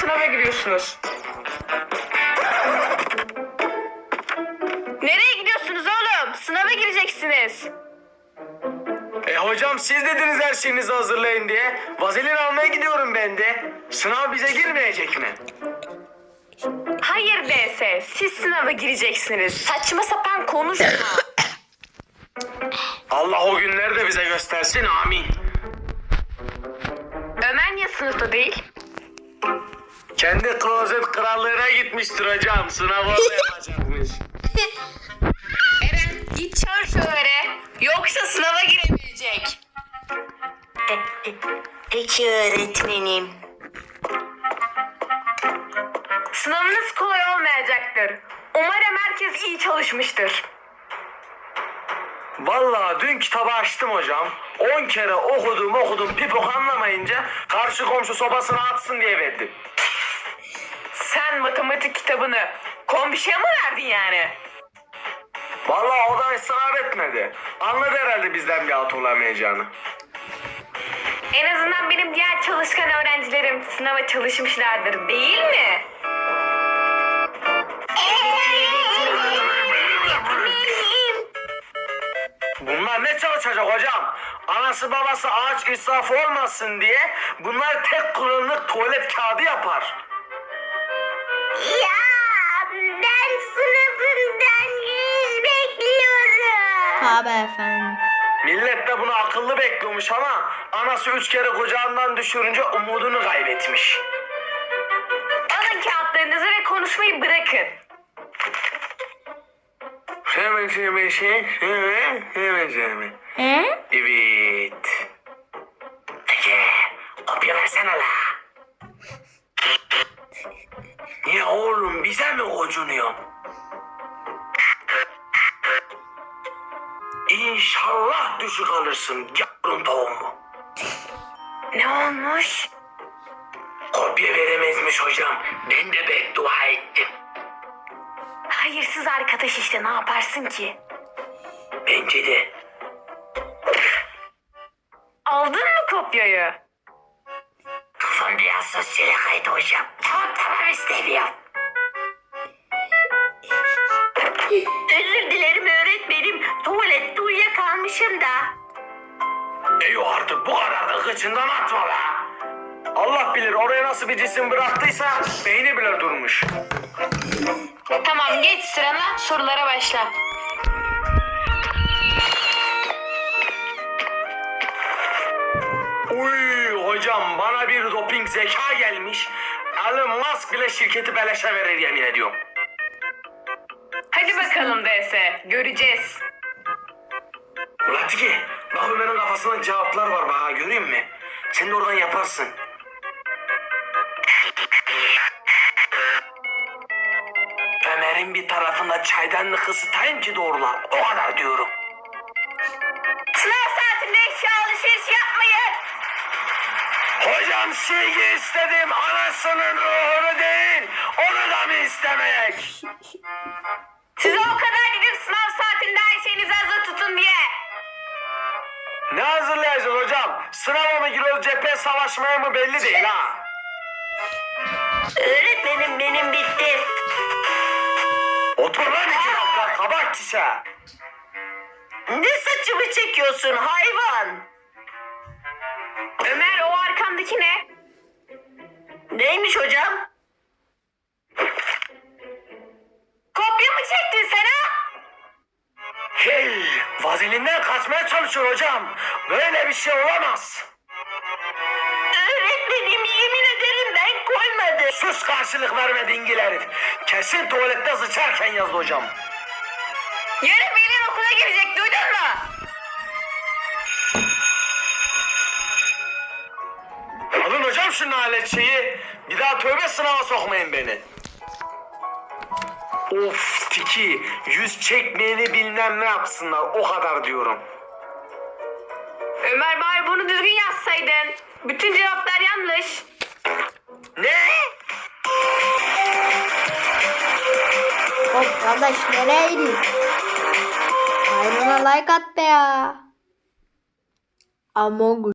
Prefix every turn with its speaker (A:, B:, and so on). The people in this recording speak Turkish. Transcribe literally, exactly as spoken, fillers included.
A: sınava giriyorsunuz. Nereye gidiyorsunuz oğlum? Sınava gireceksiniz.
B: E hocam siz dediniz her şeyinizi hazırlayın diye. Vazelin almaya gidiyorum ben de. Sınav bize girmeyecek mi?
A: Hayır D S, siz sınava gireceksiniz. Saçma sapan konuşma.
B: Allah o günleri de bize göstersin, amin.
A: Ömer niye sınıfta değil?
B: Kendi klozet krallığına gitmiştir hocam. Sınavı orada yapacakmış.
A: Eren git çağır şu Ömer'e. Yoksa sınava giremeyecek.
C: Peki öğretmenim.
A: Sınavınız kolay olmayacaktır. Umarım herkes iyi çalışmıştır.
B: Vallahi dün kitabı açtım hocam. On kere okudum okudum pipok anlamayınca karşı komşu sobasına atsın diye verdim.
A: Sen matematik kitabını komşuya mı verdin yani?
B: Vallahi o da ısrar etmedi. Anladı herhalde bizden bir alt olamayacağını.
A: En azından benim diğer çalışkan öğrencilerim sınava çalışmışlardır, değil mi?
B: Bunlar ne çalışacak hocam? Anası babası ağaç israfı olmasın diye bunlar tek kullanımlık tuvalet kağıdı yapar.
C: Ya ben sınıfımdan yüz bekliyorum.
D: Tabii efendim.
B: Millet de bunu akıllı bekliyormuş ama anası üç kere kucağından düşürünce umudunu kaybetmiş.
A: Alın kağıtlarınızı ve konuşmayı bırakın.
B: Hemen hemen şey, hemen hemen hemen.
D: He?
B: Evet. Peki, kopya versene la. Niye oğlum bize mi gocunuyor? İnşallah düşük alırsın yavrun tavuğumu.
A: Ne olmuş?
B: Kopya veremezmiş hocam. Ben de beddua ettim.
A: Hayırsız arkadaş işte, ne yaparsın ki?
B: Bence de.
A: Aldın mı kopyayı?
B: Kafam biraz sosyale kaydı hocam. Tamam tamam istemiyorum.
C: Özür dilerim öğretmenim. Tuvalette uyuyakalmışım da.
B: Eyvah artık bu kadar da kıçından atma be. Allah bilir oraya nasıl bir cisim bıraktıysa beyni bile durmuş.
A: Tamam, geç sırana, sorulara başla.
B: Uy hocam bana bir doping zeka gelmiş. Elon Musk bile şirketi beleşe verir yemin ediyorum.
A: Hadi bakalım D S, göreceğiz.
B: Ulan Tiki bak Ömer'in kafasında cevaplar var bak ha göreyim mi? Sen de oradan yaparsın. Ömer'in bir tarafında çaydanlık ısıtayım ki doğrular. O kadar diyorum.
A: Sınav saatinde eşya alışveriş yapmayın.
B: Hocam silgi istedim anasının ruhunu değil. Onu da mı istemeyek?
A: Size o kadar dedim sınav saatinde her şeyinizi hazır tutun diye.
B: Ne hazırlayacağız hocam? Sınava mı giriyoruz cephe savaşmaya mı belli değil ha.
C: Öğretmenim benim bitti.
B: Otur lan iki dakika kabak kişe.
C: Ne saçımı çekiyorsun hayvan?
A: Ömer, o arkandaki ne?
C: Neymiş hocam?
A: Kopya mı çektin sen ha?
B: Hey, vazelinden kaçmaya çalışıyor hocam. Böyle bir şey olamaz.
C: Öğretmenim yemin ederim ben koymadım.
B: Sus karşılık verme dingil herif. Kesin tuvalette sıçarken yazdı hocam.
A: Yarın Velin okula girecek, duydun mu?
B: Alın hocam şu nalet şeyi. Bir daha tövbe sınava sokmayın beni. Of Tiki, yüz çekmeyeni bilmem ne yapsınlar o kadar diyorum.
A: Ömer, bari bunu düzgün yazsaydın. Bütün cevaplar yanlış.
B: Ne?
D: Hop kardeş nereye gidiyorsun? Ayağına like at be ya. Among Us.